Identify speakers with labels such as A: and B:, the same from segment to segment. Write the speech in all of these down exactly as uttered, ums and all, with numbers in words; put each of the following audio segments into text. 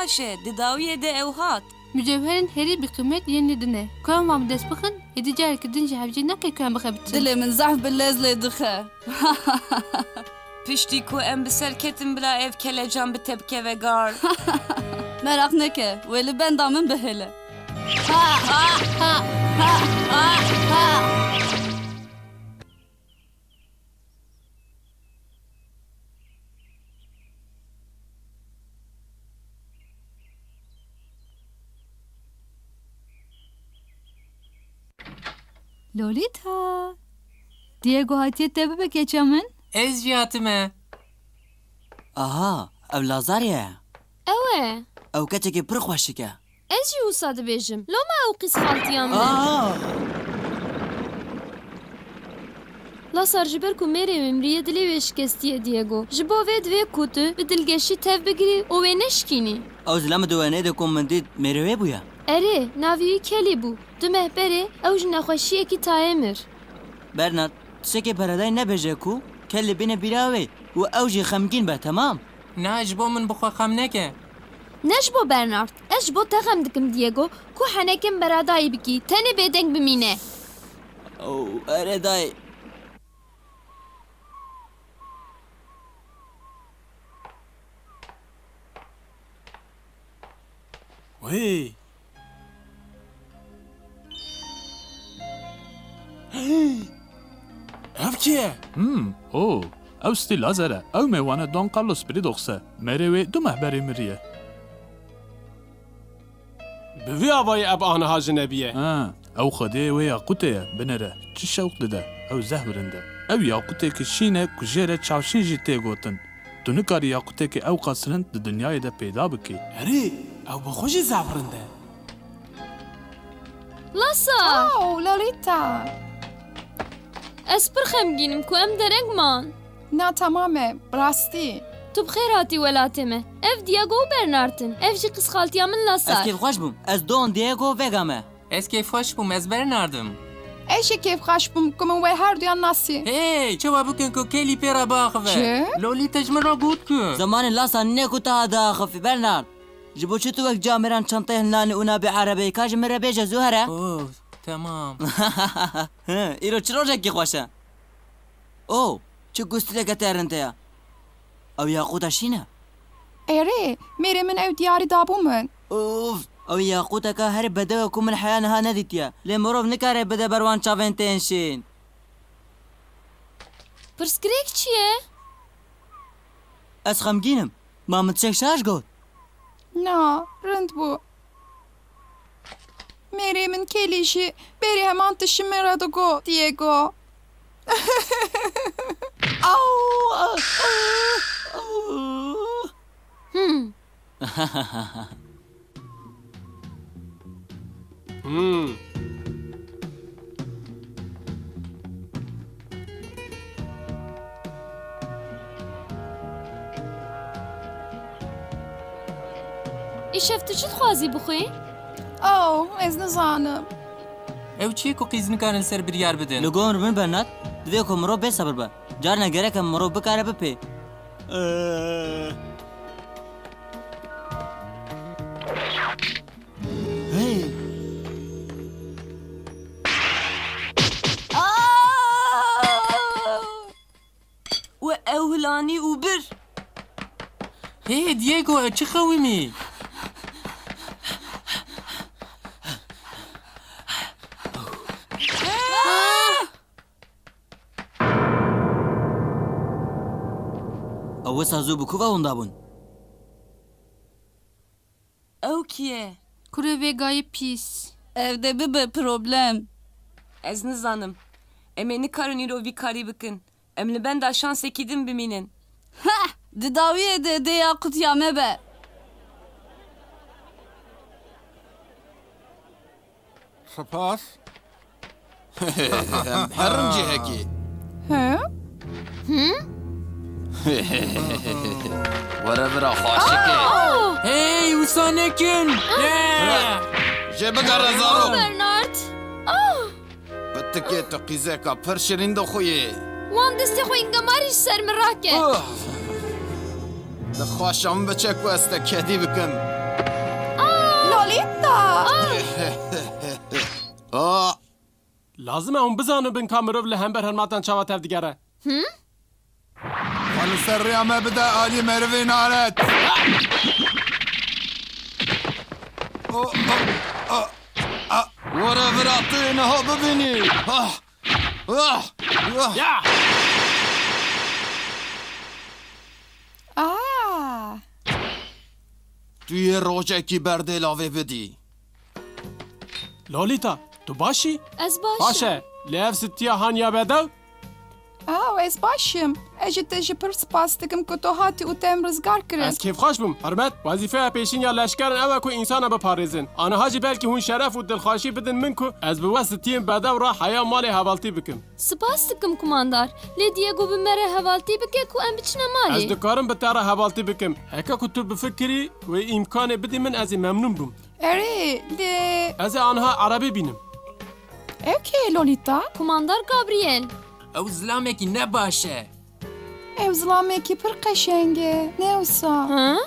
A: باشه دداویه ده او هات
B: مجوهرن هری بقیمت یعنی دنه کام وام دست بخن ایدی جار کردن جهبجی نکی کام بخبت
C: دل من زحف باللز لدخه
A: پشتی کو ام بسر کتم بلا ev kelecan bi tepke ve gar
C: merak neke veli ben damın behele
B: ha ha ha ha ha ha
C: لولیتا دیگو هاتیه تبه بکیچمن
D: Ez jiyatime.
E: Aha, ev Lazarye.
F: اوه
E: Ew keçekê pir xweşik e.
F: ez jî wisa dibêjim lo me ew qîz xaltiyan min
E: Aa,
F: Lasar ji ber ku mêrê mimrîye dilê wê şikestiye Diego ji bo vê divê ku tu bi dilgeşî tev bigirî û wê neşikînî
E: ew zilem diwenê de ku min dît mêrewê bûye.
F: Erê navî wî Kelî bû di mehberê ew ji nexweşiyekî tayê mir
E: Bernard, tiştekê peredayê nebêje ku kelê bîne bîra wê û ew jî xemgîn be, temam?
D: Na ji bo min bixwe xem neke.
F: Ne ji bo Bernard ez ji bo te xem dikim Diego ku henekên beradayî bikî tenê bêdeng bimîne
E: Ew erê dayê.
G: Wê. Ev kî ye?
H: Hmm, o, ew stî Lazer e. Ew mêwane Don Carlos birî doxe. Mêrê wê du mehberê miriye.
G: Bi vî avayê ev aniha ji nebiye.
H: Ha, ew xwedê wê yaqûtê ye, binêre. Çi şewq dide? Ew zehwirin de. Ew yaqûtekî şîn e ku jê re çavşîn jî tê gotin. Tu nikarî yaqûtekî ew qasirind di dinyayê de pêda bikî.
G: Erê, ew bi xwe jî zavirin de.
F: Lasar
B: Oh, Lolita.
F: ez pir xemgînim ku em dereng man
B: Na tamame, rastî.
F: Tu bi xêr hatî welatê me ev Diego û Bernard'in ev jî qîz xaltiya min
E: Ez
F: Lasar
E: kêfxweş bûm. Ez Don Diego Vega me.
D: Ez kêfxweş bûm ez Bernardim.
B: Eşe keyf xweş bûm ku min wê her duyan nasî.
D: Hey, çawa bikin ku Kelî pêra biaxive.
B: Çi?
D: Lolita ji min re got ku.
E: Zamanê lasa ne ku te ha daxivî, Bernard. Ji bo çi tu wek cameran çantayê hinlanê û nabê erebeyê ka ji min re bêje zû here?
D: Oh, tamam.
E: Hı, îro çi rojekî xweş e? O, çi gustileke terin te ye? Ew yaqûta şîn e?
B: Erê, mêrê min ew diyarî dabû min.
E: Uf, ew yaqûteka herî bedew e ku min heya niha nedîtiye. Lê mirov nikare bide ber wan çavên tên şîn.
F: Pirsgirêk çi ye
E: Ez xemgînim. Ma min tişek şaş got.
B: Na, rind bû. Mêrê min Kelî jî berî heman tişî me re digot Diego.
F: Hmm
G: Hmm.
F: îşev tu çi dixwazî bixwî
B: Oh, ez nizanim.
D: Ew çi ku qîz nikarin ser biryar bidin.
E: Li gor min Bernard, divê ku mirov bêsebir be. Carna gerek e mirov bikare bipê. Hey.
A: و ew hilanî û bir
D: Hey Diego, çi xewimî?
E: Ew wisa zû bi ku ve hûn dabûn?
A: ew kî ye
B: Kurê vêgayê pîs.
C: evde bibe problem
A: ez nizanim em ê nikarin îro vî karî bikin em li benda şansekî din bimînin
C: didaviye de de yakut ya mebe
I: Spas. Em herin cihekî.
B: He?
I: Were bira xweşikê.
D: Hey, wisa nekin. Ne?
I: Jê bigere zarok.
F: Bernard
I: Bi tikê tu qîzeka pir şirîn dixuyê.
F: wan destê xwe îngemarî ji ser min rake
I: Dixwaşa min biçe ku ez te kedî bikim. آه
G: لازم اون بزانم بن کامرو له همبر هرماتن چاوا تف دیگره
I: خل سريع ما بدا آلي مروي نارت ورا فرعطينا هو ببني آه آه آه
G: یا
C: آه
I: توی روشکی برده لاوه بدی
G: لولیتا تو باشی
F: Ez baş.
G: باشه لیف ستیا هانیا بدو
J: آه از باشم اجت اجی پر سپاس دکم که تو هاتی او تیم رزگار کرد
G: از کیف خوش بم حرمت وظیفه پیشین یا لشکرن اوه کو انسان بپارێزن آنها هاجی بلکی هون شرف و دلخواشی بدن من کو از به وستیم بدو را حیا مال حوالتی بکم
F: Spas dikim kumandar. Lê Diego bi me re hevaltî bike ku em biçine
G: از
F: malê.
G: دکارم به تاره حوالتی بکم هکا کو تو بفکری و امکان بدی من از ممنون بم
J: اری لی
G: از آنها عربی بینم
J: اوکی لولیتا
F: Kumandar Gabriel.
D: او زلامێکی نەباشە
J: ev zlameki پر قشنگه نوسا
F: Ha?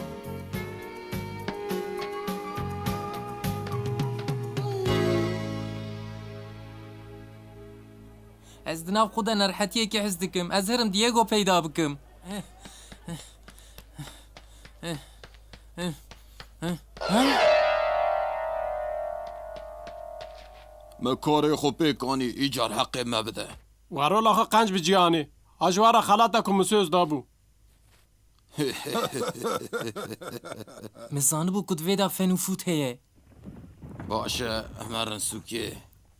D: ez di nav xwe de nerhetiyekê hez dikim ez herim Diego peyda bikim
I: ما کاری خوب کنی ایجار حق ما بده
G: وارو لاخه قنج بجیانی هجوارا خلاتا کو مسوز دابو
D: min zanibû ku divê de fen û fût heye
I: باشه امرن سوکی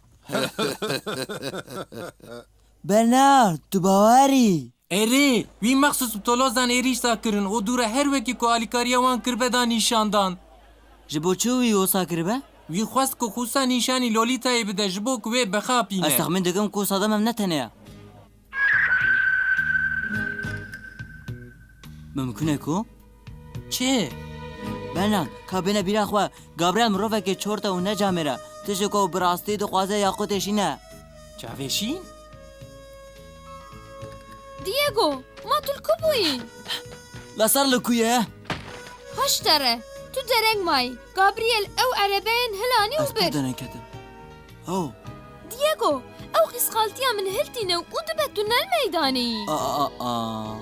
E: برنارد تو باوری
D: Erê wî mexsus bi tolozan êrîşta kirin û dûre her wekî ku alîkariya wan kirbeda nîşandan
E: ji bo çi wî wisa kiribe?
D: wî xwest ku xûsa nîşanî Lolîtayê bide ji bo ku wê
E: Ez
D: bexapîne
E: texmin dikim ku sadem em ne teneya. Mümkün e ku?
D: çi
E: Bernard, kabine bîra xwe Gabriel mirovekê çorte û necamêre. Tişt ku bi rastî dixwaze yaqûtê şîne.
D: çavêşîn
F: Diego, ma tu ku bûyî?
E: La ser li ku ye?
F: Haş tere. Tu dereng may. Gabriel ew erebeyên hilanî
E: Ez
F: û
E: pir
F: bir.
E: deneketim. Oh,
F: Diego, ew qîsxaltiya min hiltîne û dibe tunel meydanî.
E: aa, aa, aa.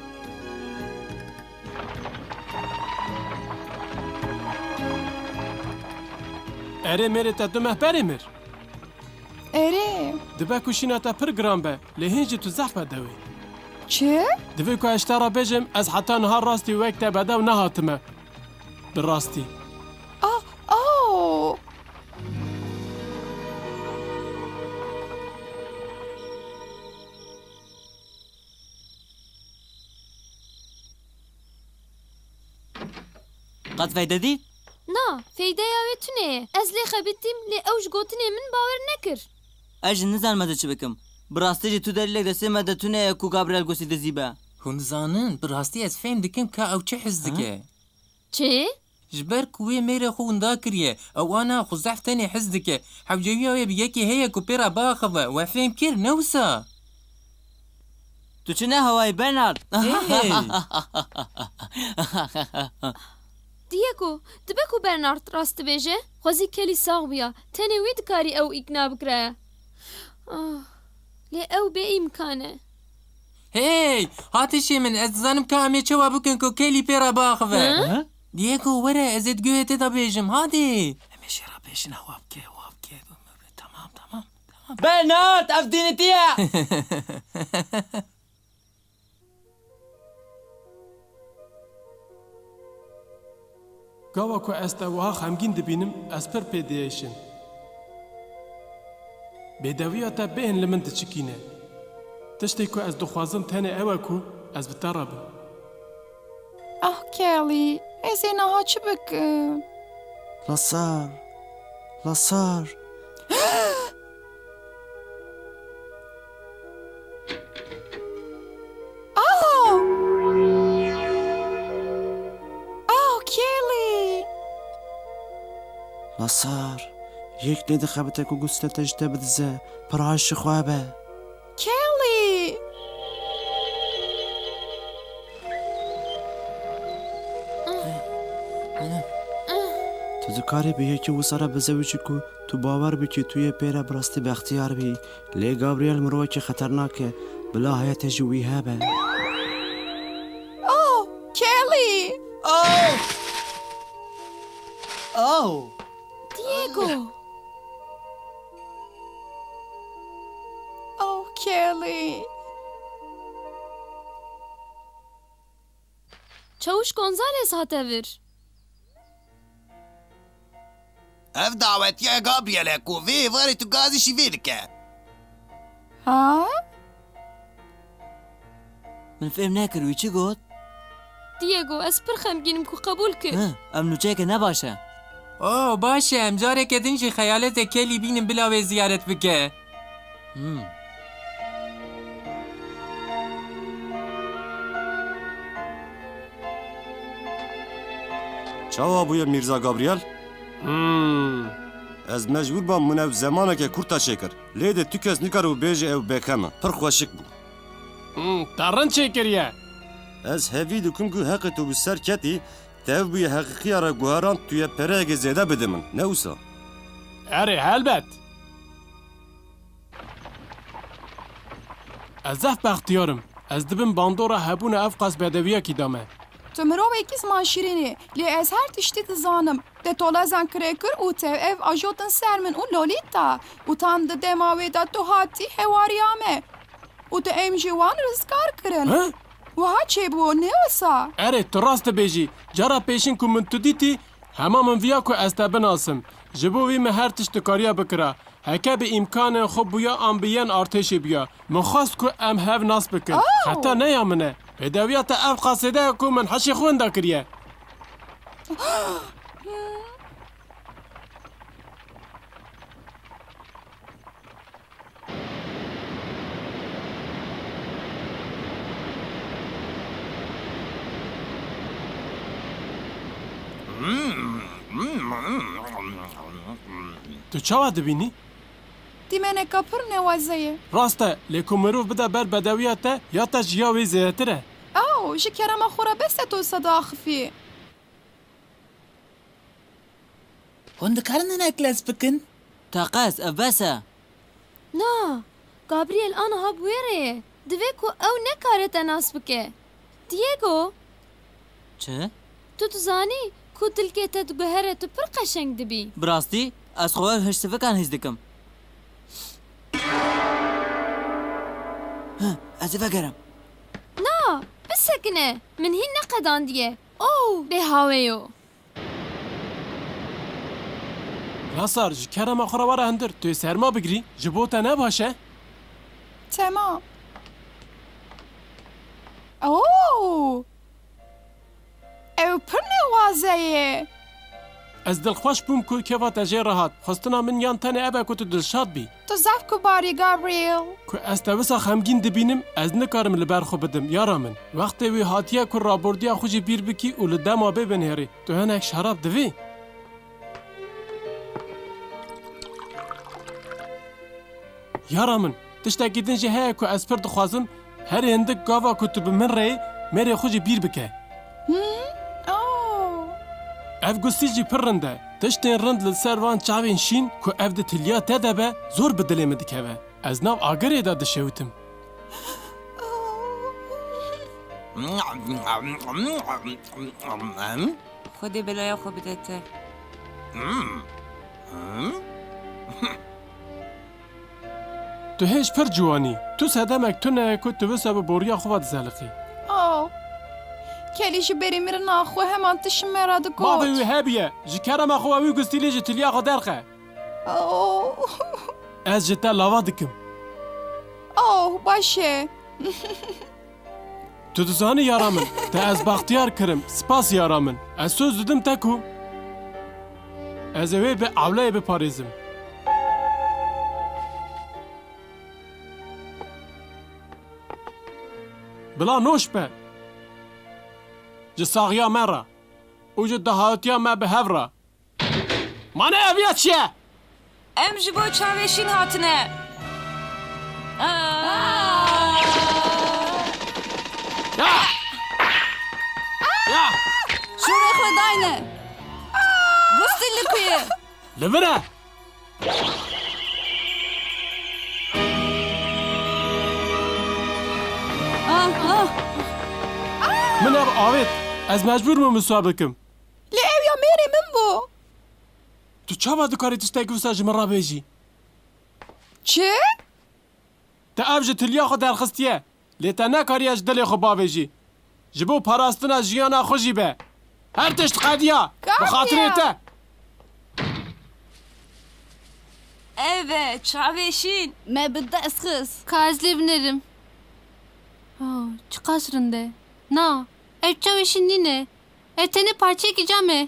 G: اره میره تا دو مهبری مر
J: اری
G: دبه کو شینا تا پر گرام به لهنجی تو زحف دوی
J: چه؟
G: دبه کو اشترا بجم از حتی نهار راستی وقت بده و نهاتمه بالراستی
J: آه آه
E: Qet feyde dî?
F: Na, feydeya wê tune ye. Ez lê xebitîm lê ew ji gotinê min bawer nekir.
E: Ez jî nizanim ez çi bikim. Bi rastî jî tu delîlek destê me de tune ye ku Gabriel gosî dizîbe.
D: hûn dizanin bi rastî ez fêm dikim ka ew çi hez dike
F: Çi?
D: ji ber ku wê mêrê xwe winda kiriye ew wana xwe zehf tenê hez dike hewcewiya wê bi yekê heye ku pêra biaxive we fêm kir ne wisa
E: Tu çi ne hewayî Bernard?
D: Hey!
F: Diego, dibe ku Bernard rast dibêje? Xwezî kelî sax bûya. Tenê wî dikarî ew îkna bikire. Ah, lê ew bê îmkan e.
D: Hey! Hatişê min ez dizanim ka em ê çawa bikin ku kelî pêra biaxive Diego were ez ê digûhê tê de bêjim hadê em ê şêra pêşin hewa bike hewa bike tamam tamam
E: Bernard, ev dînîtî ye!
G: گاوا کو ez te wiha xemgîn dibînim ez pir pê diêşim bêdewiya te bêhên li min diçikîne tiştê ku ez dixwazim tenê ew e ku ez bi te re bim
J: آه کلی از این ها چی بکن؟
E: Lasar, Lasar.
J: آه آه کلی
K: Lasar, yek lê dixebite ku gustê te ji te bidize, piraşî xwe be.
J: کلی
K: Tu تو کاری به یکی و سر بزوجی کو تو باور بکی توی پیره براستی به اختیار بی لی گابریل مروه که خطرناکه بلا حیات جوی هبه.
J: Oh, Kelly!
E: Oh! Oh!
F: دیگو
J: Oh, Kelly!
F: چاوش گونزالس هاتور
I: اف دعوتيا جابريل كوفي فاري تجازي شيفيلكا.
J: ها؟
E: من فهم ناكر چی گفت؟
F: دیگو از پر خمگینم کو قبول کرد
E: ها ام نوچه که نباشه.
D: اوه باشه ام جاره که دنجی خیالت کلی بینم بلاوی زیارت بکه.
E: هم.
L: چاوا بوی میرزا گابریل؟
G: هم.
L: از مجبور بام منو زمانه که کورتا شکر. لیده تو کس نکارو بیجه او بکمه. پر خوشک بو.
G: هم. ترن چه کریه؟
L: از هفی دکم گو حق تو بسر کتی تاو بوی حقیقی را گوهران توی پرهگ زیده بده من. نوسا.
G: اره البت از اف بختیارم از دبن باندورا هبون افقاس بدویه کی دامه
J: تو مرو یکیز ما شیرینی لی از هر تشتی تزانم ده تولا زن کرکر او تو اف آجوتن سر من اون لولیتا او تان ده دماوی دا تو هاتی هواریامه او تو ام جوان رزگار کرن
G: ها؟
J: و ها چه بو نوسا
G: اره تو راست بیجی جارا پیشین که من تو دیتی همه من ویا که از تبن آسم جبو وی مهر تشتکاریا بکره هکه به امکان خوب بیا ام بیان ارتشی بیا من خواست که ام هف ناس بکن حتی نیامنه بدویات اف قاصده که من حشی خونده کریه تو چاوا دبینی؟
J: دیمنه کپر نوازه
G: راسته لیکن مروف بده بر بدویاته یا تا جیاوی زیتره
J: او جی کرم خورا بس تو صدا خفی
M: هند کارن نکلاس بکن؟
E: تاقاس اف بسه
F: نا گابریل آن ها بویره دوی کو او نکارت ناس بکه دیگو
E: چه؟
F: تو تو زانی کو دلکه تا دو گهره تو پر قشنگ دبی
E: براستی از خواه هشت سفکان هیز دکم ها از فکرم
F: نا بسکنه من هی نقدان دیگه او به هاویو
G: راسار جی کرم آخرا واره هندر توی سرما بگیری جبوتا نباشه
J: تمام او او پر نوازه
G: از دلخوش بوم که که وات اجی راحت خواستنا من یان تنه ابا که تو دلشاد بی
J: تو زف کو باری گابریل
G: که از توسا خمگین دبینم از نکارم لبر خو بدم یارا من وقتی وی هاتیه که رابردیا خوشی بیر بکی و لدما ببین هری تو هنک شراب دوی یارا من تشتاکی دنجی های که از پر دخوازم هر هندک گاوا که تو بمن ری میری خوشی بیر بکه اف گستی جی پر رنده تشتین رند لسر وان چاوین شین که اف ده تلیا تده به زور بدلی مدکه به از ناو آگره دا دشوتم
A: خودی بلایا خوب بدته
G: تو هیچ پر جوانی تو سدمک تو نه که تو بسا به بوریا خواد زلقی
J: او کلیش بری میره ناخو همان تش مراد گوت
G: ما بوی هبیه جی کرم اخو اوی گستی لیجی تلیا خو درخه
J: او
G: از جتا لاوا دکم
J: او باشه
G: تو دزانی یارامن تا از بختیار کرم سپاس یارامن از سوز ددم تکو از اوی به اولای بپاریزم بلا نوش به جساغیا مرا او جو دهاتیا ما به هفرا مانه اویا چیه؟
A: ام جبو چاوشین هاتنه
G: یا یا
C: شوره خداینه گستی
G: لبره
C: آه آه
G: من اب آوید از مجبور مو مسابقم
J: لی او یا میری من بو
G: تو چاوا دکاری تشتاکی وسا جمع را بیجی
J: چه؟
G: تا اف جه تلیا خو درخستیه لی تا نکاری اج دلی خو باویجی جبو پاراستنا جیانا خوشی به هر تشت قدیا بخاطر تا
A: Evet, çaveşin.
C: ما بدي اسخس
B: Kazlı binerim. Oh, çıkarsın de. Na, ev çavuşun nine. Eteni parça gideceğim.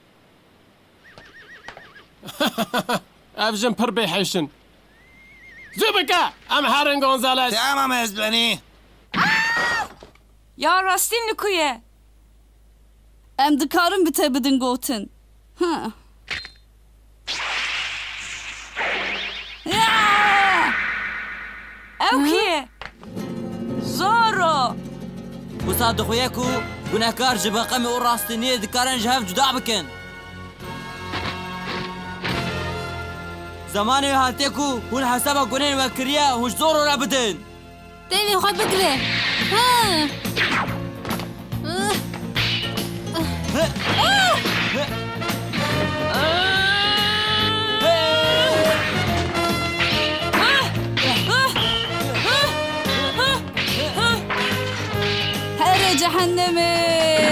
G: اف جن پر بیحشن زوبکا ام هرن گونزالس
I: تمام ازبنی
A: Ya Rastin Lukuye.
C: ام دكارم بتبدن قوتن ها
A: Ev kiye? Zoro.
E: وسا دخویه کو گناهکار ji beqemê û rastîniyê dikarin ji hev cuda bikin. Zamanê hatiye ku hûn hesaba gunên we kiriye hûn ji zor re bidin.
B: Deli xwe bigire. Ha.
C: هر جهنمي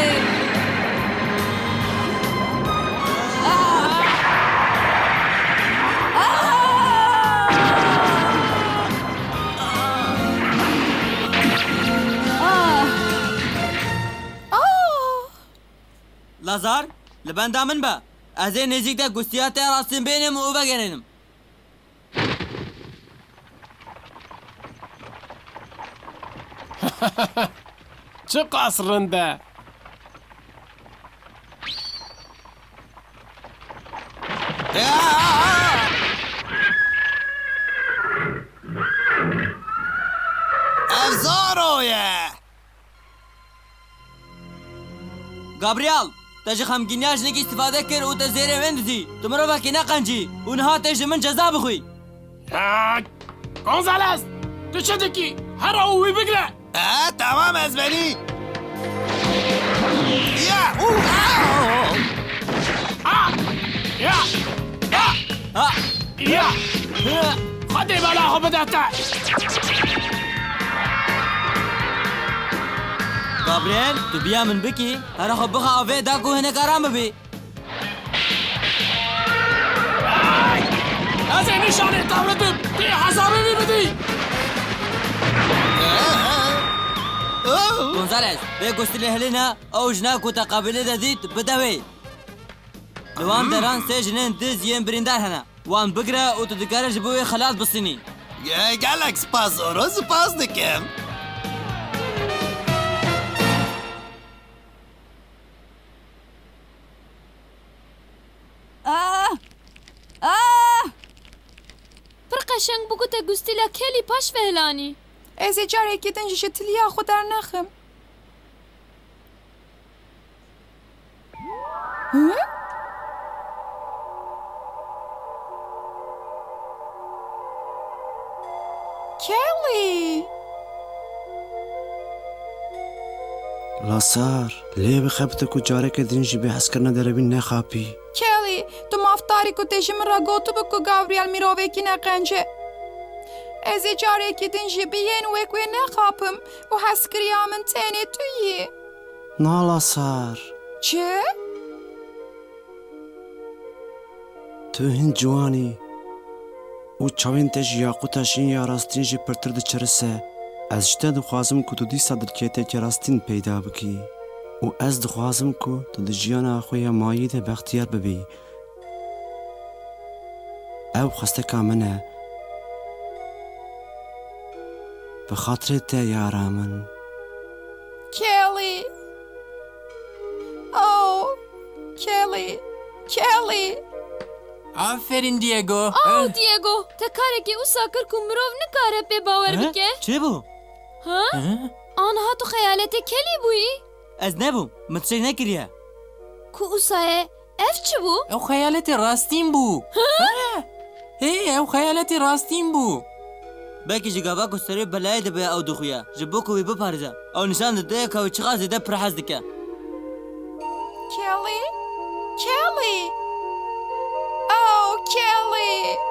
E: Lazar, li benda min be. Ez ê nêzik de gustiya te rastîn bênim û vegerînim.
G: چه قصرنده
I: افزارویه
E: Gabriel, te ji xemgîniya jinekî îstîfade kir û te zêrê wê dizî. Tu mirovekî neqencî û niha tê ji min ceza bixwî.
G: گونزالس تو چه دکی هر او وی بگره
I: اه تمام ازبنی یا او
G: یا
E: Ha!
G: یا خدی بلا خو بدهتا
E: Gabriel, tu biya min bikî, here xwe bixa avê da ku hinek aram bibî.
G: از این نشانه تولدم تی حسابی بی بدی
E: Gonzales, vê gustilê hilîne ew jina ku te qabilê de dît bide wê. Li wan deran sê jinên diz yên birîndar hene. Wan bigire û tu dikare ji bo wê xelat bisînî.
I: gelek spas oro spas dikim
C: آه آه
F: پر قشنگ بگو تا گوستیلا کلی پاش فهلانی.
J: از جاره که دنجش تلیا خود در نخم ها؟ کلی
K: لاسار لێ بخەبتە و جارێکە دنجی بێ هەستکردنە دەرەبین نەخاپی
J: کلی تو مافتاری که تجی من را گوتو بکو گاوریال میروه کی نقنجه از جاره که دنجی بیین وکوی نخاپم و هسکریا من تینه تویی
K: نا لاسار
J: چه؟
K: تو هین جوانی û çavên te ji yaquta şîn ya rastîn jî pirtir diçirise ez ji te dixwazim ku tu dîsa dilkêtekê rastîn peyda bikî û ez dixwazim ku tu di jiyana xwe ya mayî de bextiyar bibî ew xwesteka min e bi xatirê te yara min
J: کلی او کلی کلی
D: آفرین دیگو
F: آو دیگو تا کاری که او ساکر کو مروف نکاره پی باور بکه.
E: چی بو؟
F: ها؟ آنها تو خیالت کلی بویی؟
E: Ez nebûm, min tişek nekiriye.
F: کو او سایه ev çi bû?
D: Ew xeyaletê rastîn bû. Hê ew xeyaletê rastîn bû.
E: Belkî ji gava ku serê belayê dibe ew dixuya. Ji bo ku wî biparêze. Ew nişan dide ka wî çiqa zêde pirhez dike.
J: Kelly? Kelly? Oh, Kelly!